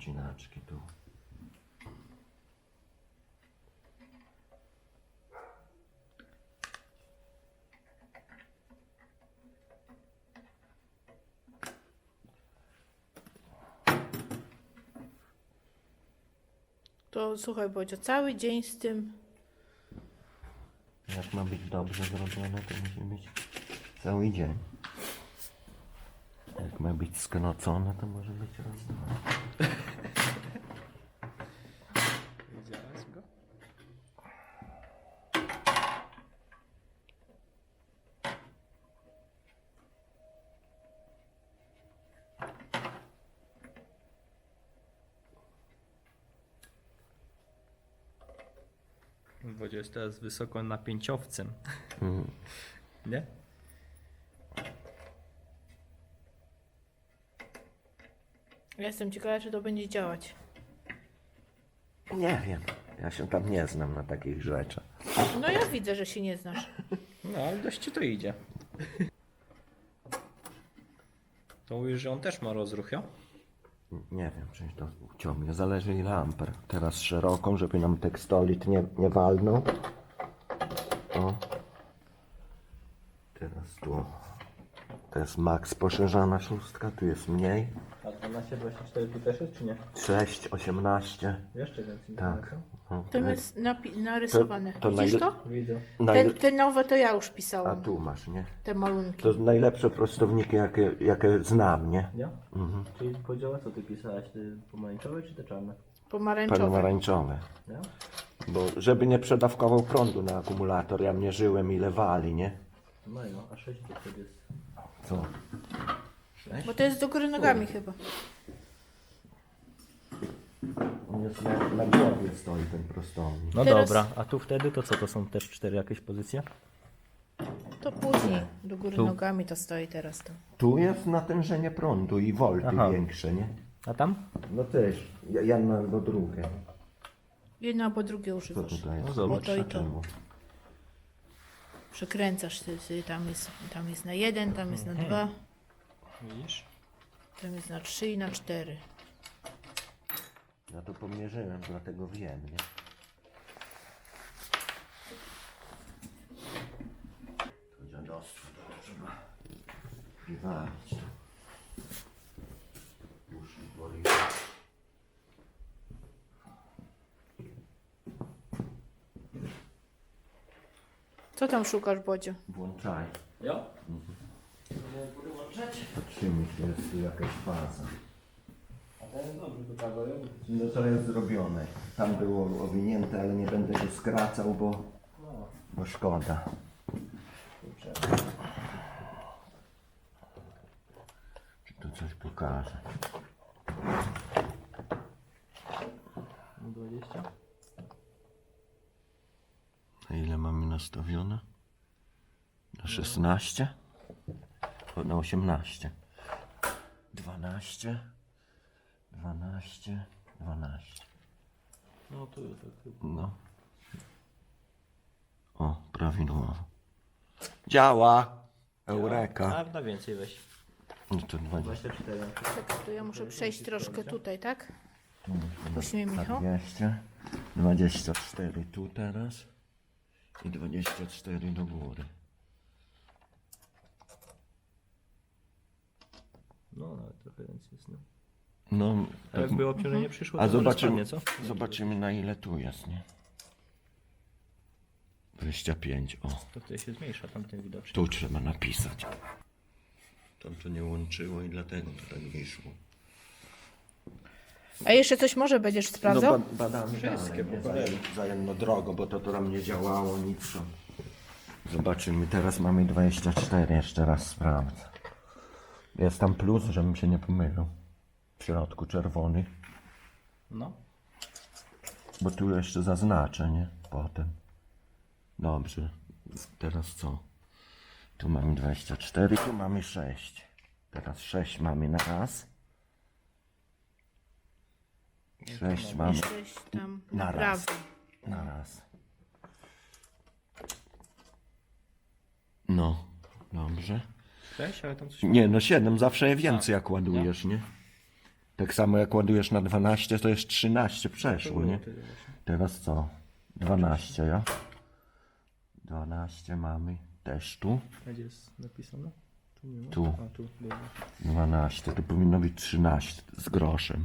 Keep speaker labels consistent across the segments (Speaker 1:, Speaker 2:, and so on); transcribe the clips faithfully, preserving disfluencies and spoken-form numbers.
Speaker 1: wcinaczki tu.
Speaker 2: To słuchaj, Bodzio, cały dzień z tym.
Speaker 1: Jak ma być dobrze zrobione, to musi być cały dzień. Jak ma być skrocone, to może być raz, dwa.
Speaker 3: Widziałeś go? Wodzie jest teraz wysokonapięciowcem.
Speaker 1: Mhm.
Speaker 3: Nie?
Speaker 2: Ja jestem ciekawa, czy to będzie działać.
Speaker 1: Nie wiem, ja się tam nie znam na takich rzeczach.
Speaker 2: No ja widzę, że się nie znasz.
Speaker 3: No, ale dość ci to idzie. To mówisz, że on też ma rozruch, jo?
Speaker 1: Nie wiem, czy to uciągnie. Zależy ile amper. Teraz szeroką, żeby nam tekstolit nie, nie walnął. O. Teraz tu. To jest max poszerzana szóstka, tu jest mniej.
Speaker 3: A dwanaście dwadzieścia cztery tu też jest, czy nie?
Speaker 1: sześć, osiemnaście.
Speaker 3: Jeszcze więcej.
Speaker 1: Tak. No,
Speaker 2: To jest napi- narysowane.
Speaker 1: To- to
Speaker 2: Widzisz
Speaker 1: najle-
Speaker 2: to?
Speaker 3: Widzę.
Speaker 2: Te,
Speaker 1: Najle-
Speaker 2: te nowe to ja już
Speaker 1: A
Speaker 2: pisałam.
Speaker 1: tu masz, nie?
Speaker 2: Te malunki.
Speaker 1: To najlepsze prostowniki, jakie, jakie znam, nie?
Speaker 3: Ja?
Speaker 1: Mhm.
Speaker 3: Czyli podziała co ty pisałaś? Te pomarańczowe czy te czarne?
Speaker 2: Pomarańczowe.
Speaker 1: Pomarańczowe.
Speaker 3: Ja?
Speaker 1: Bo żeby nie przedawkował prądu na akumulator, ja mierzyłem ile wali, nie?
Speaker 3: No i no, a sześć to wtedy jest.
Speaker 1: Co?
Speaker 2: Bo to jest do góry nogami chyba.
Speaker 1: On jest na, na głowie stoi ten prostownik.
Speaker 3: No
Speaker 2: Teraz-
Speaker 3: dobra, a tu wtedy to co? To są też cztery jakieś pozycje?
Speaker 2: To później. Do góry
Speaker 3: Tu.
Speaker 2: nogami to stoi teraz to.
Speaker 1: Tu jest natężenie prądu i volty
Speaker 3: Aha.
Speaker 1: większe, nie?
Speaker 3: A tam?
Speaker 1: No też, jedno albo drugie.
Speaker 2: Jedno albo drugie
Speaker 1: Co
Speaker 2: używasz.
Speaker 1: tutaj jest?
Speaker 3: No zobacz.
Speaker 2: To i to.
Speaker 1: Czemu?
Speaker 2: Przekręcasz ty, ty, tam jest, tam jest na jeden, tam jest na dwa,
Speaker 3: Widzisz?
Speaker 2: tam jest na trzy i na cztery.
Speaker 1: Ja to pomierzyłem, dlatego wiem, nie? To dziadostwo, to trzeba wywalić. Uszy boli.
Speaker 2: Co tam szukasz, Bodzio?
Speaker 1: Włączaj.
Speaker 3: Ja?
Speaker 1: Patrzymy, czy jest tu jakaś faza.
Speaker 3: A ten dobrze do tego, ja?
Speaker 1: No to jest zrobione. Tam było owinięte, ale nie będę go skracał, bo,
Speaker 3: No,
Speaker 1: bo szkoda.
Speaker 3: kurczę.
Speaker 1: Czy to coś pokaże?
Speaker 3: dwadzieścia?
Speaker 1: A ile mamy nastawione? Na szesnaście? O, na osiemnaście. dwanaście. dwanaście. dwanaście.
Speaker 3: No tu tak chyba.
Speaker 1: No. O, prawidłowo. Działa! Eureka.
Speaker 3: A na więcej weź.
Speaker 1: No to dwadzieścia.
Speaker 3: dwadzieścia cztery.
Speaker 2: Czekaj, to ja muszę przejść troszkę tutaj, tak? Puść mnie, Michał.
Speaker 1: dwieście. dwadzieścia cztery tu teraz. I dwadzieścia cztery do góry.
Speaker 3: No, nawet trochę więcej jest. No.
Speaker 1: No,
Speaker 3: A jakby obciążenie przyszło,
Speaker 1: a
Speaker 3: to może
Speaker 1: zobaczymy,
Speaker 3: spadnie, co?
Speaker 1: zobaczymy na ile tu jest, nie? dwadzieścia pięć, o.
Speaker 3: To wtedy się zmniejsza tamten widocznie.
Speaker 1: Tu trzeba napisać. To to nie łączyło i dlatego to tak wyszło.
Speaker 2: A jeszcze coś może będziesz sprawdzał?
Speaker 1: No ba badamy
Speaker 3: Wszystkie
Speaker 1: dalej, nie?
Speaker 3: po kolei.
Speaker 1: Zajem- Wzajemno drogo, bo to, to tam nie działało nic. To. Zobaczymy, teraz mamy dwadzieścia cztery, jeszcze raz sprawdzę. Jest tam plus, żebym się nie pomylił. W środku czerwony,
Speaker 3: No.
Speaker 1: bo tu jeszcze zaznaczę, nie? Potem. Dobrze, teraz co? Tu mamy dwadzieścia cztery, tu mamy sześć. Teraz sześć mamy na raz. sześć mamy
Speaker 2: Sześć tam
Speaker 1: na
Speaker 2: na
Speaker 1: raz.
Speaker 2: prawo.
Speaker 1: Na raz. No, dobrze.
Speaker 3: sześć, ale tam coś...
Speaker 1: Nie, no siedem, zawsze je więcej jak ładujesz, nie? Tak samo jak ładujesz na dwanaście, to jest trzynaście przeszło, nie?
Speaker 3: Tyle właśnie.
Speaker 1: Teraz co? dwanaście, ja? dwanaście mamy też tu.
Speaker 3: A gdzie jest napisane? Tu nie ma.
Speaker 1: Tu.
Speaker 3: A tu, dobra.
Speaker 1: dwanaście, to powinno być trzynaście z groszem.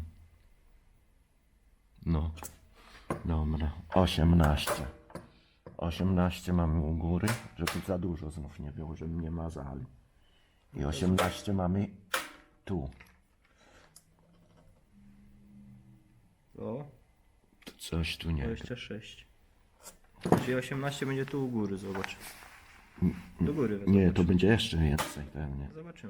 Speaker 1: No. Dobra. osiemnaście. osiemnaście mamy u góry, żeby za dużo znów nie było, żeby nie mazali. I osiemnaście mamy tu.
Speaker 3: O,
Speaker 1: Coś tu nie.
Speaker 3: dwadzieścia sześć. Czyli osiemnaście będzie tu u góry, zobacz. Do góry.
Speaker 1: Nie,
Speaker 3: zobacz.
Speaker 1: to będzie jeszcze więcej pewnie.
Speaker 3: Zobaczymy.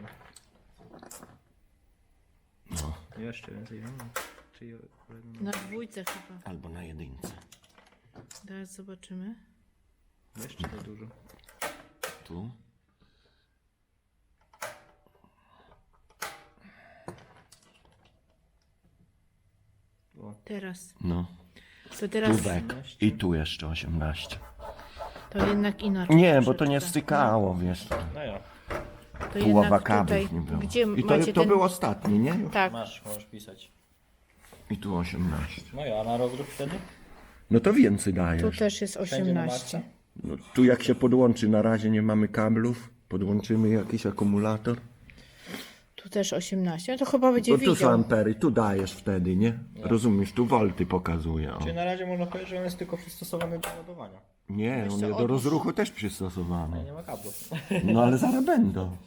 Speaker 1: No.
Speaker 3: Jeszcze więcej. No. Czyli
Speaker 2: Na dwójce chyba.
Speaker 1: Albo na jedynce.
Speaker 2: Teraz zobaczymy.
Speaker 3: jeszcze za dużo.
Speaker 1: Tu.
Speaker 3: O,
Speaker 2: Teraz.
Speaker 1: No.
Speaker 2: To teraz
Speaker 1: Tubek. I tu jeszcze osiemnaście.
Speaker 2: to jednak inaczej.
Speaker 1: Nie, bo to nie
Speaker 2: troszeczkę.
Speaker 1: stykało, wiesz.
Speaker 3: no ja.
Speaker 2: To
Speaker 1: Połowa
Speaker 2: jednak
Speaker 1: kablów
Speaker 2: tutaj,
Speaker 1: nie było.
Speaker 2: gdzie
Speaker 1: I to,
Speaker 2: macie
Speaker 1: to
Speaker 2: ten...
Speaker 1: był ostatni, nie?
Speaker 2: Tak,
Speaker 3: Masz, możesz pisać.
Speaker 1: I tu osiemnaście.
Speaker 3: No ja, a na rozruch wtedy?
Speaker 1: No to więcej
Speaker 2: tu
Speaker 1: dajesz.
Speaker 2: też jest
Speaker 3: Wszędzie na
Speaker 2: osiemnaście.
Speaker 3: maksa?
Speaker 1: No, tu jak się podłączy, na razie nie mamy kablów. Podłączymy jakiś akumulator.
Speaker 2: Tu też osiemnaście. No to chyba będzie
Speaker 1: Bo tu są
Speaker 2: widział.
Speaker 1: ampery, tu dajesz wtedy, nie? Rozumiesz, tu wolty pokazuje. O.
Speaker 3: Czyli na razie można powiedzieć, że on jest tylko przystosowany do ładowania.
Speaker 1: Nie, on
Speaker 2: co,
Speaker 1: jest do
Speaker 2: odłóż.
Speaker 1: rozruchu też przystosowany.
Speaker 3: Nie ma kablów.
Speaker 1: No ale zaraz będą.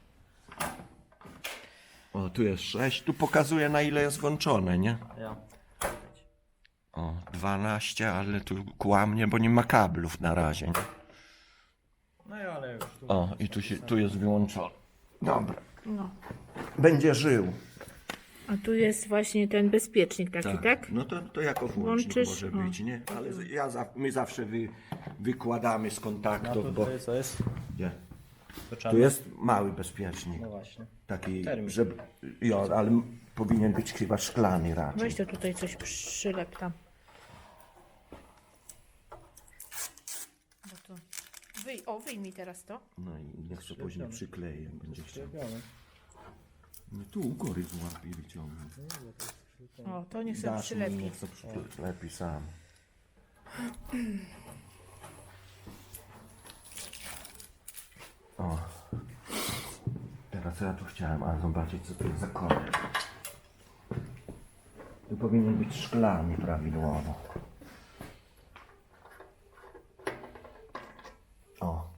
Speaker 1: O, tu jest sześć, tu pokazuje na ile jest włączone, nie?
Speaker 3: Ja.
Speaker 1: O, dwanaście, ale tu kłamnie, bo nie ma kablów na razie. Nie?
Speaker 3: No ja, ale już tu.
Speaker 1: O, i tu, się, tu jest wyłączone. Dobra.
Speaker 2: No.
Speaker 1: Będzie żył.
Speaker 2: A tu jest właśnie ten bezpiecznik taki, tak?
Speaker 1: No to, to jako włącznik
Speaker 2: Włączysz,
Speaker 1: może
Speaker 2: o.
Speaker 1: być, nie? Ale z- ja za, my zawsze wy, wykładamy z
Speaker 3: A
Speaker 1: kontaktów,
Speaker 3: tu
Speaker 1: bo...
Speaker 3: tutaj co jest?
Speaker 1: Nie.
Speaker 3: To
Speaker 1: Tu
Speaker 3: czarne.
Speaker 1: jest mały bezpiecznik.
Speaker 3: No właśnie.
Speaker 1: Taki,
Speaker 3: Termin.
Speaker 1: że... Jo, ale m- powinien być chyba szklany raczej.
Speaker 2: Weź to tutaj coś przylep tam. Bo to... Wyj... O, wyjmij teraz to.
Speaker 1: No i niech się później przykleje, jak będzie chciał.
Speaker 3: Zrobione.
Speaker 1: No tu u góry złapie i wyciągnie.
Speaker 2: O, to niech sobie
Speaker 1: Dasz mu,
Speaker 2: przylepi.
Speaker 1: niech sobie przylepi sam. O. Teraz ja tu chciałem, ale zobaczyć co to jest za kolor. Tu powinien być szklany prawidłowo. O.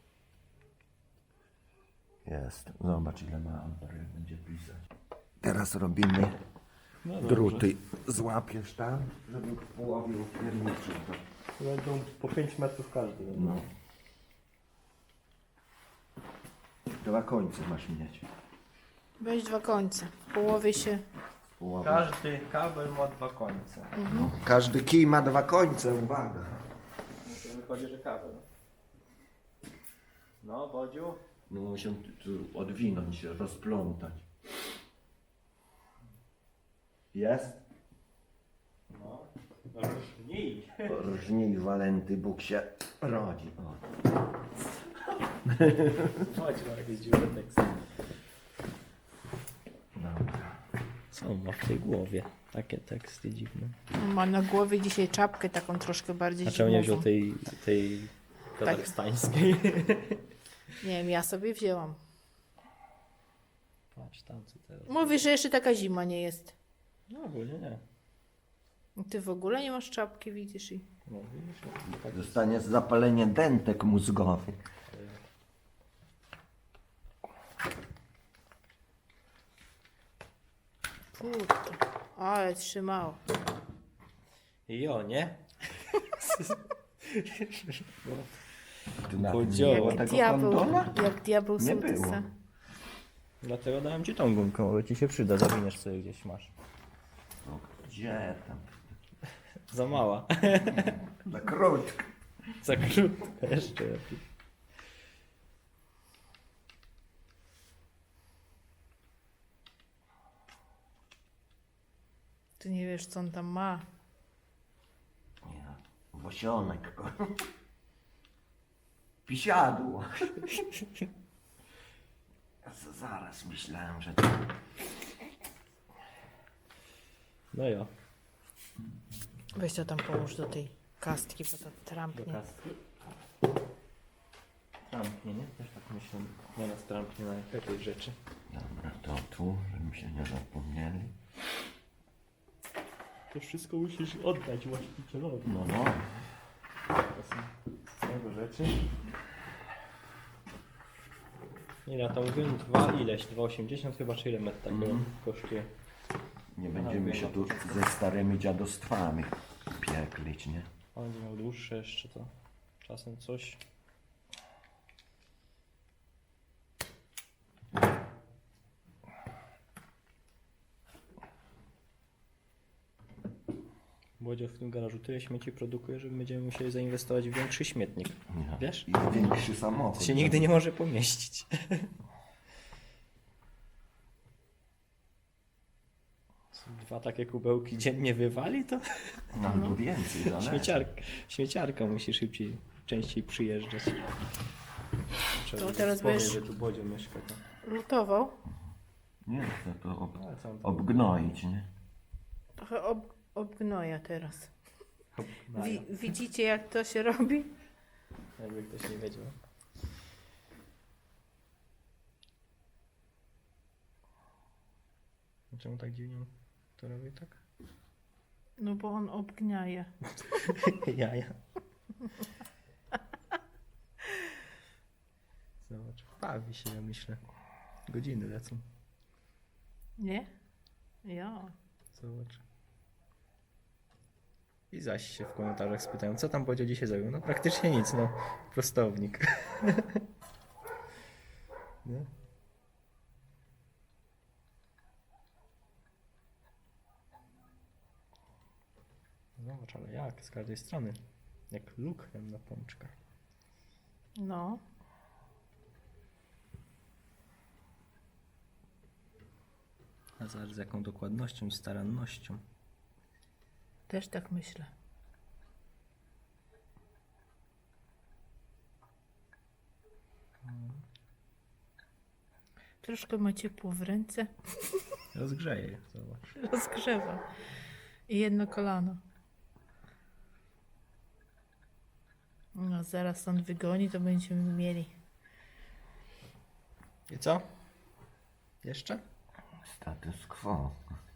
Speaker 1: Jest. Zobacz ile ma amper, jak będzie pisać. Teraz robimy druty. Złapiesz tam, żeby w połowie upierniczył to.
Speaker 3: Będą po pięć metrów każdy.
Speaker 1: No. Dwa końce masz mieć.
Speaker 2: Weź dwa końce. W połowie się...
Speaker 1: Połowie.
Speaker 3: Każdy kabel ma dwa końce.
Speaker 1: No. Każdy kij ma dwa końce, uwaga.
Speaker 3: To wychodzi, że kabel. No, Bodziu.
Speaker 1: No muszę tu, tu odwinąć się, rozplątać. Jest?
Speaker 3: No. Różnij.
Speaker 1: Różnij walenty, Bóg się rodzi. O.
Speaker 3: Chodź, ma jakieś dziwne teksty.
Speaker 1: Dobra.
Speaker 3: Co on ma w tej głowie? Takie teksty dziwne.
Speaker 2: Ma na głowie dzisiaj czapkę taką troszkę bardziej
Speaker 3: A czemu nie wziął
Speaker 2: zimową.
Speaker 3: tej, tej kazachstańskiej?
Speaker 2: Nie wiem, ja sobie wzięłam.
Speaker 3: Patrz tam co teraz.
Speaker 2: Mówisz, że jeszcze taka zima nie jest.
Speaker 3: No ogólnie nie.
Speaker 2: Ty w ogóle nie masz czapki, widzisz i...
Speaker 3: No widzisz, no, tak.
Speaker 1: Zostanie zapalenie dentek mózgowych.
Speaker 2: Kurde, ale trzymało.
Speaker 3: Jo, nie?
Speaker 1: Ty na
Speaker 3: Podziała.
Speaker 1: nie było
Speaker 2: Jak
Speaker 1: tego
Speaker 2: diabeł,
Speaker 1: kondola?
Speaker 2: jak diabeł
Speaker 1: Nie było.
Speaker 2: sołtysa.
Speaker 3: Dlatego dałem ci tą gumkę, bo ci się przyda, zawiniesz sobie gdzieś masz.
Speaker 1: No, gdzie tam?
Speaker 3: Za mała.
Speaker 1: Za krótko.
Speaker 3: Za krótko jeszcze lepiej.
Speaker 2: Ty nie wiesz, co on tam ma.
Speaker 1: Nie, Wosionek. Pisiadło. Ja z- zaraz myślałem, że to...
Speaker 3: No ja.
Speaker 2: Weź to tam połóż do tej kastki, bo to
Speaker 3: Do
Speaker 2: trampnie.
Speaker 3: kastki. Trampnie, nie? Też tak myślę. Na nas trampnie na jakieś rzeczy.
Speaker 1: Dobra, to tu, żeby się nie zapomnieli.
Speaker 3: To wszystko musisz oddać właścicielowi.
Speaker 1: No, no.
Speaker 3: To są jego rzeczy. Ile tam mówiłem? Dwa ileś? dwa osiemdziesiąt chyba, czy ile metr takiego
Speaker 1: Mhm.
Speaker 3: kosztuje?
Speaker 1: Nie będziemy się tu ze starymi dziadostwami pieklić, nie?
Speaker 3: On będzie miał dłuższe jeszcze to. Czasem coś. Bodzio w tym garażu tyle śmieci produkuje, że będziemy musieli zainwestować w większy śmietnik.
Speaker 1: Nie.
Speaker 3: Wiesz?
Speaker 1: I większy samochód.
Speaker 3: To się nigdy nie może pomieścić. Dwa takie kubełki dziennie wywali, to
Speaker 1: No, albo więcej, zależy.
Speaker 3: śmieciarka, śmieciarka musi szybciej, częściej przyjeżdżać. Trzeba
Speaker 2: To
Speaker 3: by
Speaker 2: teraz
Speaker 3: wspomnieć,
Speaker 2: będziesz-
Speaker 3: że tu Bodzio mieszka. To...
Speaker 2: Lutował.
Speaker 1: Nie chcę to ob,
Speaker 3: Ale co on tam
Speaker 1: obgnoić, nie?
Speaker 2: Trochę ob, obgnoja teraz.
Speaker 3: obgnaja?
Speaker 2: Wi, widzicie jak to się robi?
Speaker 3: Jakby ktoś nie wiedział. A czemu tak dziwnie to robi tak?
Speaker 2: No bo on obgniaje.
Speaker 3: Jaja. Zobacz, bawi się, ja myślę. Godziny lecą.
Speaker 2: Nie? Ja.
Speaker 3: Zobacz. I zaś się w komentarzach spytają, co tam Bodzio dzisiaj zrobił? No praktycznie nic, no. Prostownik. Nie? Zobacz, ale jak? Z każdej strony. Jak lukrem na pączkach.
Speaker 2: No.
Speaker 3: A zobacz z jaką dokładnością i starannością.
Speaker 2: Też tak myślę. Troszkę ma ciepło w ręce.
Speaker 3: Rozgrzeje, zobacz.
Speaker 2: Rozgrzewa. I jedno kolano. No zaraz on wygoni, to będziemy mieli.
Speaker 3: I co? Jeszcze?
Speaker 1: Status quo.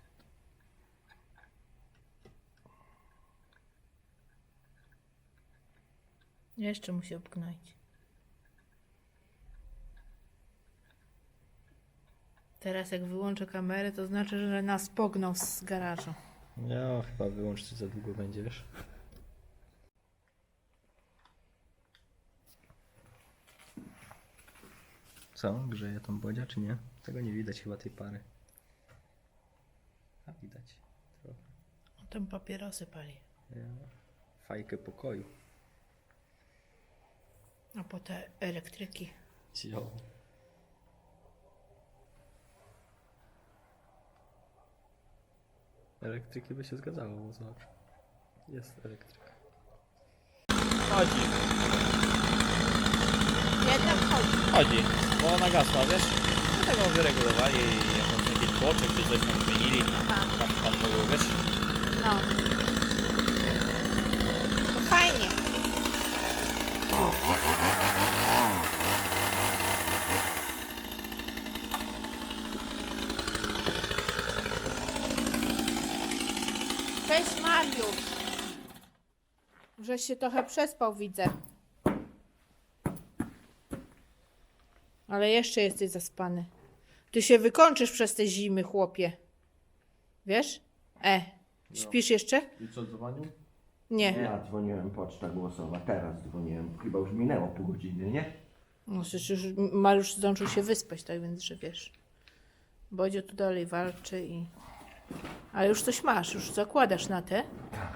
Speaker 2: Jeszcze musi obgnoić. Teraz jak wyłączę kamerę, to znaczy, że nas pognął z garażu.
Speaker 3: Ja chyba wyłącz, co za długo będziesz. Co? Grzeje tam Bodzia, czy nie? Tego nie widać chyba tej pary. A widać. Trochę.
Speaker 2: On tam papierosy pali.
Speaker 3: Ja. Fajkę pokoju.
Speaker 2: A po te elektryki.
Speaker 3: Cio. Elektryki by się zgadzało, bo zobacz. Jest elektryka. Chodzi,
Speaker 2: Jednak chodzi.
Speaker 3: chodzi, bo ona gasła, wiesz? Dlatego wyregulowali jakąś jakiś tłoczek, czy coś tam zmienili.
Speaker 2: Aha.
Speaker 3: Tam pan mówił, wiesz?
Speaker 2: No. To fajnie. Cześć Mariusz. Żeś się trochę przespał, widzę. Ale jeszcze jesteś zaspany. Ty się wykończysz przez te zimy, chłopie. Wiesz? E, śpisz jeszcze?
Speaker 3: I co, dzwonił?
Speaker 2: Nie.
Speaker 1: Ja dzwoniłem, poczta głosowa, teraz dzwoniłem. Chyba już minęło pół godziny, nie?
Speaker 2: No przecież już Mariusz zdążył się wyspać, tak więc, że wiesz. Bodzio tu dalej walczy i... Ale już coś masz, już zakładasz na te.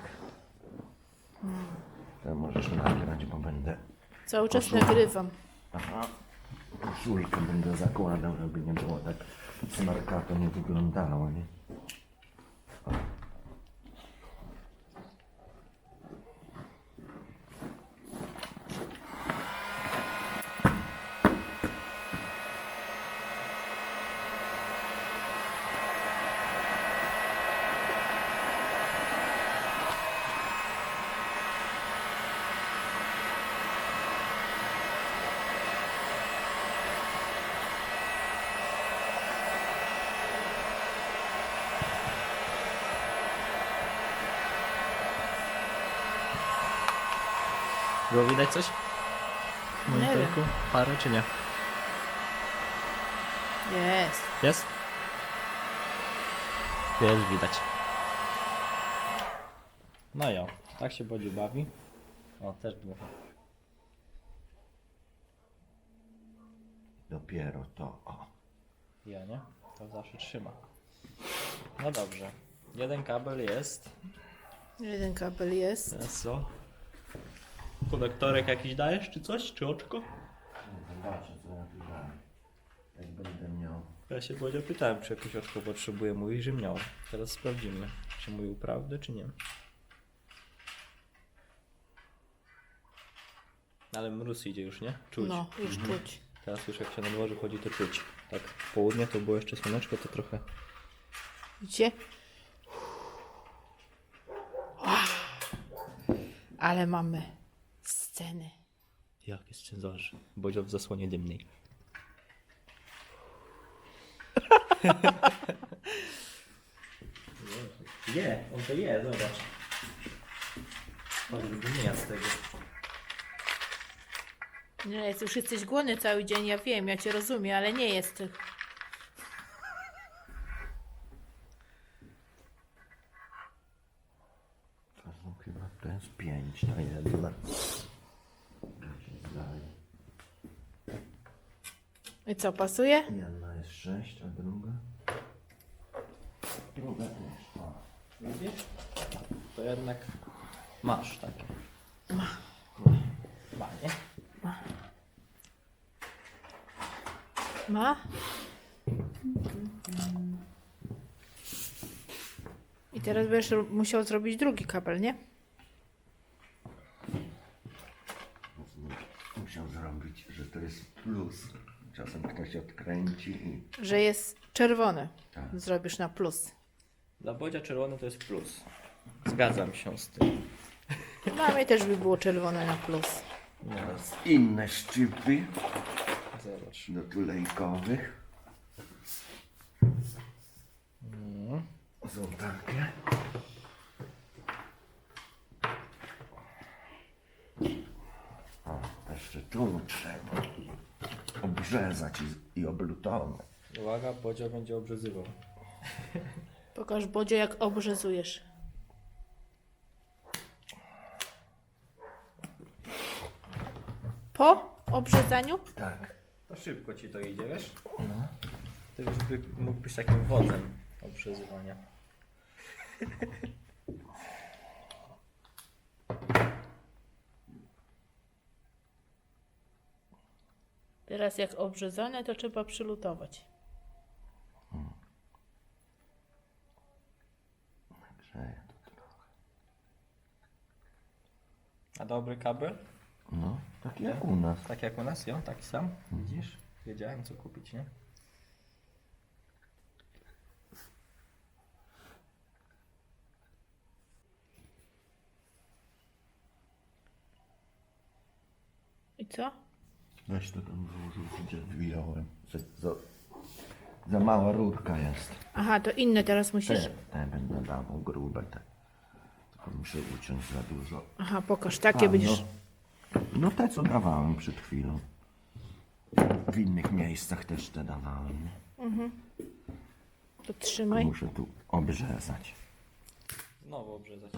Speaker 1: To możesz nagrać, bo będę...
Speaker 2: Cały czas
Speaker 1: Koszulę.
Speaker 2: nagrywam.
Speaker 1: Aha. Koszulkę będę zakładał, żeby nie było tak smarkato nie wyglądało, nie?
Speaker 3: Było widać coś? W
Speaker 2: Nie
Speaker 3: monitorku? Parę czy nie?
Speaker 2: Jest.
Speaker 3: Jest? Jest widać. No jo, tak się Bodziu bawi. O, też dmucha.
Speaker 1: Dopiero to, o.
Speaker 3: Ja nie? To zawsze trzyma. No dobrze. Jeden kabel jest.
Speaker 2: Jeden kabel jest.
Speaker 3: Teraz co? Konektorek jakiś dajesz, czy coś? Czy oczko?
Speaker 1: Zobaczę, co ja tu dam. Jak będę miał.
Speaker 3: Ja się Bodzia pytałem, czy jakieś oczko potrzebuje. Mówi, że miał. Teraz sprawdzimy, czy mówił prawdę, czy nie. Ale mróz idzie już, nie? Czuć.
Speaker 2: No, już czuć.
Speaker 3: Teraz już jak się na dworze chodzi, to czuć. Tak, w południe to było jeszcze słoneczko, to trochę...
Speaker 2: Widzicie? Ale mamy sceny.
Speaker 3: Jak jest cenzorze? Bodzio w zasłonie dymnej. Je, on to je, zobacz. Choćby nie z tego.
Speaker 2: Nie, jest, już jesteś głodny cały dzień, ja wiem, ja cię rozumiem, ale nie jest.
Speaker 1: To są chyba, to jest pięć na jedno.
Speaker 2: I co, pasuje?
Speaker 1: Jedna jest sześć, a druga? Druga też. O.
Speaker 3: Widzisz? To jednak masz takie.
Speaker 2: Ma.
Speaker 3: Ma, nie?
Speaker 2: Ma? I teraz będziesz ro- musiał zrobić drugi kabel, nie?
Speaker 1: Musiał zrobić, że to jest plus. Czasem ktoś odkręci i...
Speaker 2: Że jest czerwony.
Speaker 1: Tak.
Speaker 2: Zrobisz na plus.
Speaker 3: Dla Bodzia czerwony to jest plus. Zgadzam się z tym.
Speaker 2: Dla mnie też by było czerwone na plus.
Speaker 1: Teraz inne szczypy
Speaker 3: Zobacz.
Speaker 1: do tulejkowych. Są takie. O, jeszcze tu trzeba obrzezać i, i oblutować.
Speaker 3: Uwaga, Bodzio będzie obrzezywał.
Speaker 2: Pokaż, Bodzio, jak obrzezujesz. Po obrzezaniu?
Speaker 1: Tak.
Speaker 3: To szybko ci to idzie, wiesz? No. Ty już by, mógł być takim wodzem obrzezywania.
Speaker 2: Teraz jak obrzezane, to trzeba przylutować.
Speaker 1: Grzeje to trochę.
Speaker 3: A dobry kabel?
Speaker 1: No, tak jak u nas.
Speaker 3: Tak jak u nas, jo? Taki sam? Widzisz? Wiedziałem co kupić, nie?
Speaker 2: I co?
Speaker 1: Weź to tam włożył, gdzie wyjąłem. Za, za, za mała rurka jest.
Speaker 2: Aha, to inne teraz musisz...
Speaker 1: Te, te będę dawał grube te. Tylko muszę uciąć za dużo.
Speaker 2: Aha, pokaż, takie
Speaker 1: A,
Speaker 2: będziesz...
Speaker 1: no, no te co dawałem przed chwilą. W innych miejscach też te dawałem. Nie?
Speaker 2: To trzymaj.
Speaker 1: Muszę tu obrzezać.
Speaker 3: Znowu obrzezać.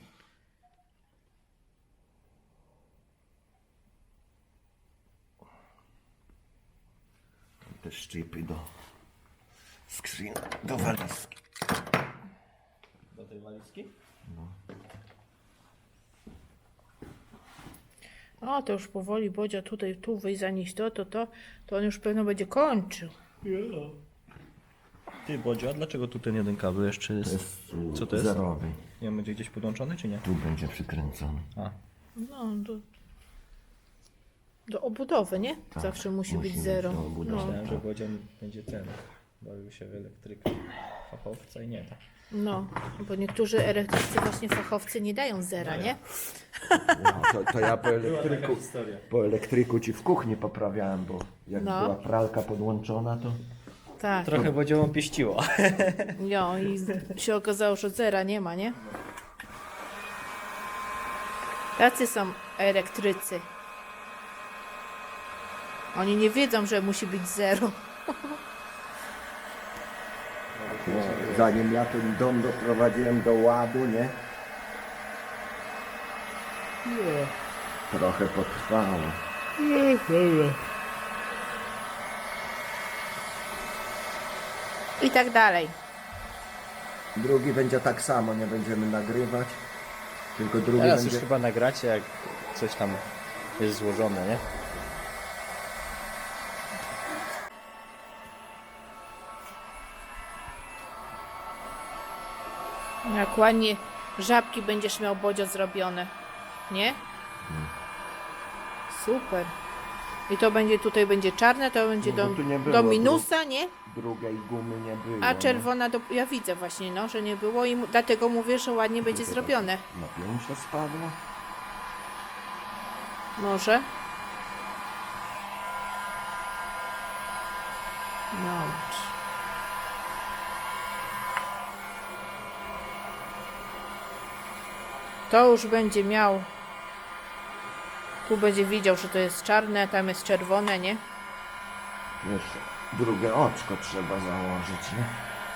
Speaker 1: Te szczypy do skrzyni, do walizki.
Speaker 3: Do tej walizki?
Speaker 2: O, to już powoli Bodzia tutaj, tu wyjść zanieść to, to, to, to on już pewno będzie kończył.
Speaker 3: Ty Bodzio, a dlaczego tu ten jeden kabel jeszcze jest?
Speaker 1: To jest y,
Speaker 3: Co to jest?
Speaker 1: zerowy.
Speaker 3: Nie będzie gdzieś podłączony, czy nie?
Speaker 1: Tu będzie przykręcony.
Speaker 3: A,
Speaker 2: No, do, do obudowy, nie?
Speaker 1: Tak,
Speaker 2: Zawsze musi,
Speaker 1: musi
Speaker 2: być
Speaker 1: być
Speaker 2: zero.
Speaker 1: do obudowy.
Speaker 2: No,
Speaker 3: myślałem, że Bodzio będzie ten. Bawił się w elektrykę fachowca i nie tak.
Speaker 2: no, bo niektórzy elektrycy, właśnie fachowcy, nie dają zera, nie?
Speaker 1: No, to, to ja po elektryku,
Speaker 3: historia.
Speaker 1: po elektryku ci w kuchni poprawiałem, bo jak
Speaker 2: No.
Speaker 1: była pralka podłączona, to
Speaker 2: Tak.
Speaker 3: Trochę Bodziową pieściło.
Speaker 2: No i się okazało, że zera nie ma, nie? Tacy są elektrycy. Oni nie wiedzą, że musi być zero.
Speaker 1: No, zanim ja ten dom doprowadziłem do ładu, nie?
Speaker 2: Nie.
Speaker 1: Trochę potrwało.
Speaker 2: I tak dalej.
Speaker 1: Drugi będzie tak samo, nie będziemy nagrywać. Tylko drugi
Speaker 3: Teraz
Speaker 1: będzie...
Speaker 3: już chyba nagracie, jak coś tam jest złożone, nie?
Speaker 2: Jak ładnie żabki będziesz miał, Bodzio, zrobione. Nie? Super. I to będzie, tutaj będzie czarne, to będzie
Speaker 1: No
Speaker 2: do,
Speaker 1: bo tu nie było
Speaker 2: do minusa, nie?
Speaker 1: Drugiej gumy nie było.
Speaker 2: A
Speaker 1: no.
Speaker 2: czerwona, do, ja widzę właśnie, no, że nie było i mu- dlatego mówię, że ładnie będzie zrobione.
Speaker 1: Napięcie spadło.
Speaker 2: Może? No. To już będzie miał. Tu będzie widział, że to jest czarne, tam jest czerwone, nie?
Speaker 1: Jeszcze drugie oczko trzeba założyć, nie?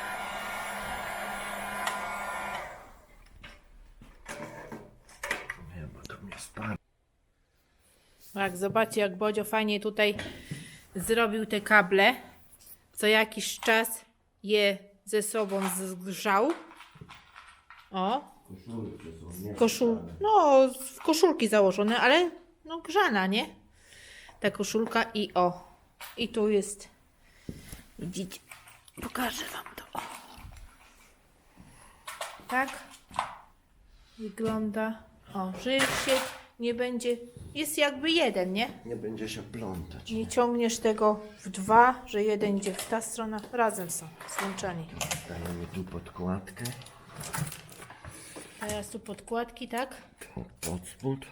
Speaker 1: Nie, bo to mnie spadło.
Speaker 2: Tak, zobaczcie, jak Bodzio fajnie tutaj zrobił te kable. Co jakiś czas je ze sobą zgrzał. O, koszul, no, w koszulki założone, ale no grzana, nie? Ta koszulka i o. I tu jest, widzicie, pokażę wam to. O. Tak wygląda. O, że się nie będzie, jest jakby jeden, nie?
Speaker 1: Nie będzie się plątać.
Speaker 2: Nie ciągniesz tego w dwa, że jeden idzie w ta strona, razem są złączeni.
Speaker 1: Dajemy tu podkładkę.
Speaker 2: Teraz tu podkładki, tak?
Speaker 1: Tu pod spód.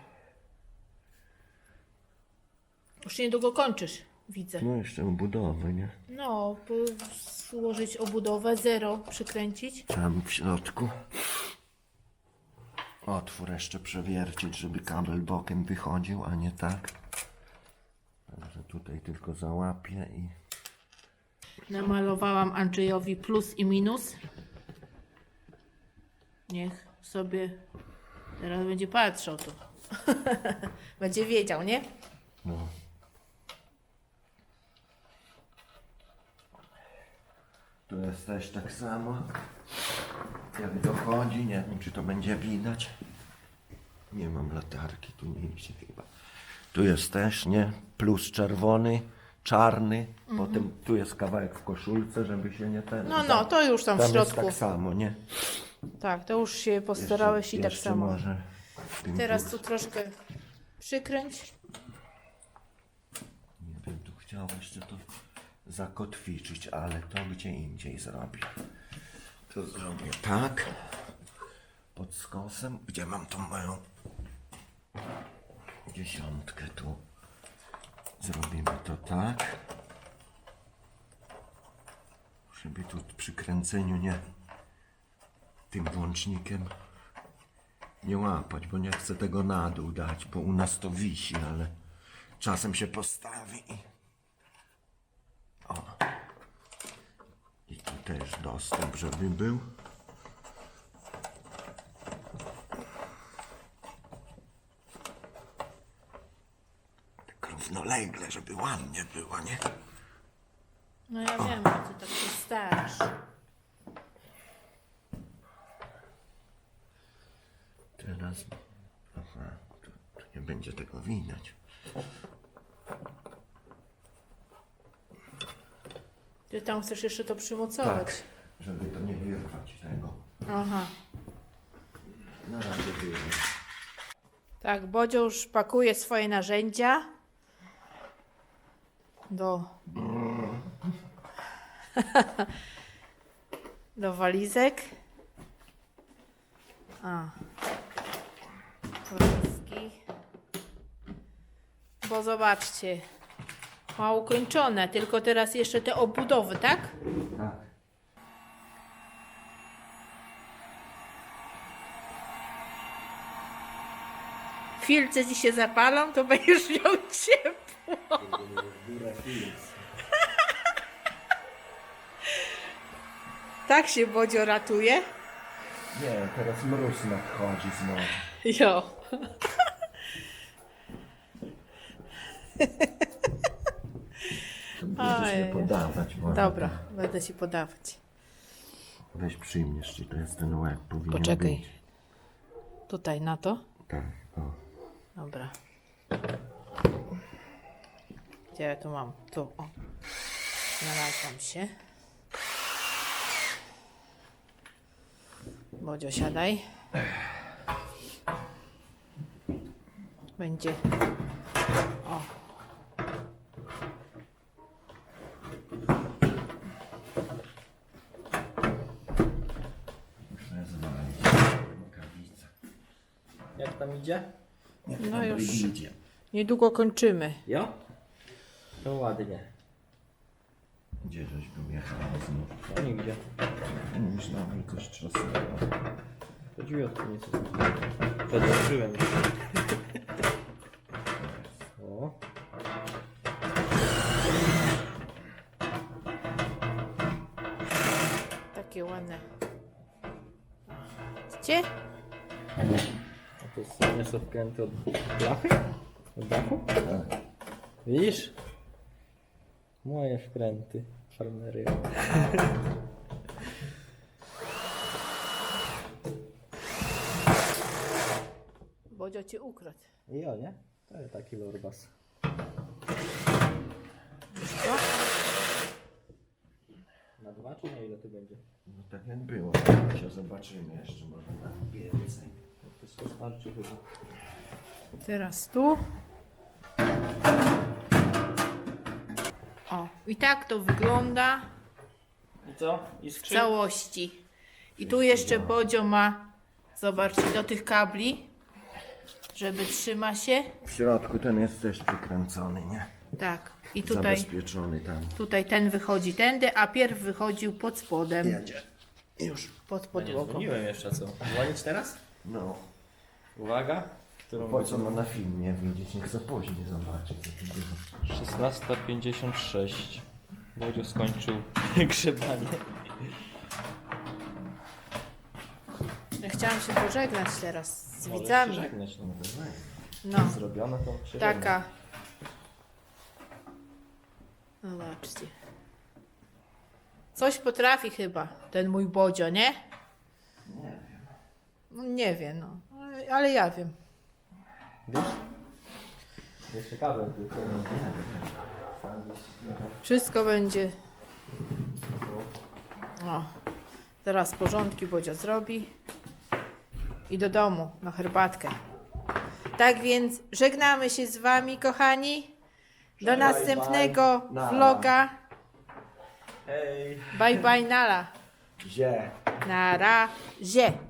Speaker 2: Już niedługo kończysz, widzę.
Speaker 1: No jeszcze budowy, nie?
Speaker 2: No, po- złożyć obudowę, zero przykręcić.
Speaker 1: Tam w środku. Otwór jeszcze przewiercić, żeby kabel bokiem wychodził, a nie tak. Także tutaj tylko załapię i...
Speaker 2: Namalowałam Andrzejowi plus i minus. Niech sobie teraz będzie patrzał tu. Będzie wiedział, nie?
Speaker 1: No. Tu jest też tak samo. Jak dochodzi, nie wiem czy to będzie widać. Nie mam latarki, tu nie idzie chyba. Tu jest też, nie? Plus czerwony, czarny. Potem tu jest kawałek w koszulce, żeby się nie ten...
Speaker 2: No, no, to już tam w
Speaker 1: Tam jest
Speaker 2: środku.
Speaker 1: tak samo, nie?
Speaker 2: Tak, to już się postarałeś i tak
Speaker 1: jeszcze
Speaker 2: samo.
Speaker 1: Może w tym
Speaker 2: Teraz
Speaker 1: tu-
Speaker 2: tu troszkę przykręć.
Speaker 1: Nie wiem, tu chciał jeszcze to zakotwiczyć, ale to gdzie indziej zrobię. To zrobię tak. Pod skosem. Gdzie mam tą moją dziesiątkę tu. Zrobimy to tak. Żeby tu przy kręceniu nie tym włącznikiem nie łapać, bo nie chcę tego na dół dać, bo u nas to wisi, ale czasem się postawi i... O. I tu też dostęp, żeby był. Tak równolegle, żeby ładnie było, nie?
Speaker 2: No ja wiem, że ty tak się starasz.
Speaker 1: Teraz... Aha, tu, tu nie będzie tego widać.
Speaker 2: Ty tam chcesz jeszcze to przymocować.
Speaker 1: Tak, żeby to nie wyrwać tego.
Speaker 2: Aha.
Speaker 1: Na razie wyjdę.
Speaker 2: Tak, Bodzio już pakuje swoje narzędzia do do walizek. A. Walizki. Bo zobaczcie, ma ukończone, tylko teraz jeszcze te obudowy, tak?
Speaker 1: Tak.
Speaker 2: filce ci się zapalą, to będziesz miał ciepło. Tak się Bodzio ratuje.
Speaker 1: Nie, teraz mróz nadchodzi znowu.
Speaker 2: Jo.
Speaker 1: Będziesz
Speaker 2: Ojej.
Speaker 1: mnie podawać. Bo
Speaker 2: Dobra, będę ci podawać.
Speaker 1: Weź przyjmiesz, czy to jest ten łeb. Powinien
Speaker 2: Poczekaj.
Speaker 1: być.
Speaker 2: Tutaj na to.
Speaker 1: Tak, o.
Speaker 2: Dobra. Gdzie ja tu mam? Tu, o. Znalazłam się. Bodzio, siadaj. Będzie. O.
Speaker 1: Muszę zwalić rękawice.
Speaker 3: Jak tam idzie?
Speaker 2: No już
Speaker 1: Idzie.
Speaker 2: niedługo kończymy.
Speaker 3: Jo? To ładnie.
Speaker 1: Gdzie żeś był jechał znów?
Speaker 3: No nigdzie.
Speaker 1: Mówisz na mnie coś trzasnęło.
Speaker 3: To drzwi odkrynie co. Przedłużyłem się. O.
Speaker 2: Takie ładne. Widzicie?
Speaker 3: A to jest, nie są wkręty od blachy? Od dachu?
Speaker 1: Tak.
Speaker 3: Widzisz? Moje wkręty. Farmery.
Speaker 2: Bodzio cię ukradł.
Speaker 3: I o nie? To jest taki lorbas.
Speaker 2: Co?
Speaker 3: Na dwa czy na ile to będzie?
Speaker 1: No tak jak było. Się zobaczymy jeszcze, może na więcej.
Speaker 3: To się starczy chyba.
Speaker 2: Teraz tu. O, i tak to wygląda
Speaker 3: I co? I
Speaker 2: w
Speaker 3: skrzyn?
Speaker 2: całości. I tu jeszcze Bodzio ma, zobaczcie, do tych kabli, żeby trzyma się.
Speaker 1: W środku ten jest też przykręcony, nie?
Speaker 2: Tak. I tutaj,
Speaker 1: Zabezpieczony tam.
Speaker 2: tutaj ten wychodzi tędy, a pierw wychodził pod spodem,
Speaker 1: Jedzie. Już.
Speaker 2: pod
Speaker 3: Nie
Speaker 2: podłogą.
Speaker 3: dzwoniłem jeszcze co? Dzwonić teraz?
Speaker 1: No.
Speaker 3: Uwaga. Którą
Speaker 1: Po co ma na filmie widzieć? Niech za później zobaczy, co tu było.
Speaker 3: szesnasta pięćdziesiąt sześć. Bodzio skończył grzebanie.
Speaker 2: Ja chciałam się pożegnać teraz z
Speaker 3: Możesz
Speaker 2: widzami.
Speaker 3: się żegnać, no.
Speaker 2: No,
Speaker 3: Zrobione to się
Speaker 2: taka. Zobaczcie. Coś potrafi chyba ten mój Bodzio, nie?
Speaker 1: Nie wiem.
Speaker 2: No, nie wiem, no. Ale- Ale ja wiem.
Speaker 3: żegna. Wiesz? Jeszcze kabel tylko.
Speaker 2: Wszystko będzie. O. Teraz porządki Bodzio zrobi. I do domu na herbatkę. Tak więc żegnamy się z wami, kochani. Do następnego
Speaker 1: Nara.
Speaker 2: vloga.
Speaker 3: Hej!
Speaker 2: Bye bye, nala.
Speaker 1: Gdzie?
Speaker 2: Na razie.